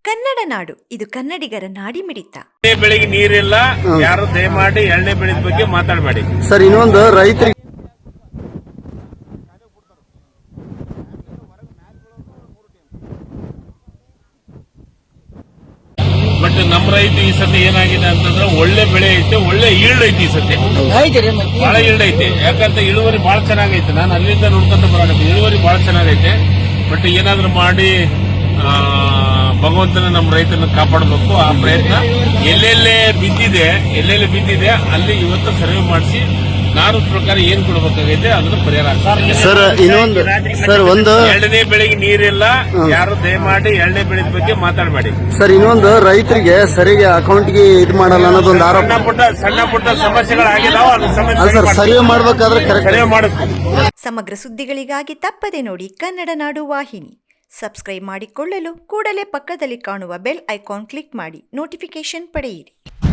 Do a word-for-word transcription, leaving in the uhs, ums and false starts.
ಕನ್ನಡ ನಾಡು, ಇದು ಕನ್ನಡಿಗರ ನಾಡಿ ಮಿಡಿತ. ಬೆಳೆಗೆ ನೀರಿಲ್ಲ, ಯಾರು ದಯಮಾಡಿ ಎಣ್ಣೆ ಬೆಳೆದ ಬಗ್ಗೆ ಮಾತಾಡಬೇಡಿ ಸರ್. ಇನ್ನೊಂದು ರೈತರಿಗೆ ಬಟ್ ನಮ್ಮ ರೈತ ಈ ಸತಿ ಏನಾಗಿದೆ ಅಂತಂದ್ರೆ ಒಳ್ಳೆ ಬೆಳೆ ಐತೆ, ಒಳ್ಳೆ ಈಲ್ಡ್ ಐತಿ. ಈ ಸತಿ ಬಹಳ ಈಲ್ಡ್ ಐತೆ. ಯಾಕಂತ ಇಳುವರಿ ಬಹಳ ಚೆನ್ನಾಗೈತೆ. ನಾನು ಅಲ್ಲಿಂದ ನೋಡ್ಕೊಂತ ಬರೋದು ಇಳುವರಿ ಬಹಳ ಚೆನ್ನಾಗೈತೆ. ಬಟ್ ಏನಾದ್ರೂ ಮಾಡಿ ಭಗವಂತನ ನಮ್ಮ ರೈತನ ಕಾಪಾಡಬೇಕು. ಆ ಪ್ರಯತ್ನ ಎಲ್ಲೆಲ್ಲೇ ಬಿದ್ದಿದೆ ಎಲ್ಲೆಲ್ಲಿ ಬಿದ್ದಿದೆ ಅಲ್ಲಿ ಇವತ್ತು ಸರ್ವೆ ಮಾಡಿಸಿ ನಾನು ಪ್ರಕಾರ ಏನ್ ಕೊಡಬೇಕಾಗೈತೆ ಅದನ್ನು ಪರಿಹಾರ. ಸರ್ ಇನ್ನೊಂದು ಸರ್ ಒಂದು ಎರಡನೇ ಬೆಳೆಗೆ ನೀರಿಲ್ಲ, ಯಾರು ದಯಮಾಡಿ ಎರಡನೇ ಬೆಳೆದ ಬಗ್ಗೆ ಮಾತಾಡಬೇಡಿ ಸರ್. ಇನ್ನೊಂದು ರೈತರಿಗೆ ಸರಿಗೆ ಅಕೌಂಟ್ಗೆ ಇದು ಮಾಡಲ್ಲ ಅನ್ನೋದೊಂದು ಆರೋಪ. ಸಣ್ಣ ಪುಟ್ಟ ಸಣ್ಣ ಪುಟ್ಟ ಸಮಸ್ಯೆಗಳಾಗಿದಾವ. ಅದು ಸರ್ ಸರ್ವೆ ಮಾಡ್ಬೇಕಾದ್ರೆ ಕರೆಕ್ಟ್ ಸರ್ವೆ ಮಾಡಿಸ್ತೀವಿ. ಸಮಗ್ರ ಸುದ್ದಿಗಳಿಗಾಗಿ ತಪ್ಪದೆ ನೋಡಿ ಕನ್ನಡ ನಾಡು ವಾಹಿನಿ. ಸಬ್ಸ್ಕ್ರೈಬ್ ಮಾಡಿಕೊಳ್ಳಲು ಕೂಡಲೇ ಪಕ್ಕದಲ್ಲಿ ಕಾಣುವ ಬೆಲ್ ಐಕಾನ್ ಕ್ಲಿಕ್ ಮಾಡಿ ನೋಟಿಫಿಕೇಶನ್ ಪಡೆಯಿರಿ.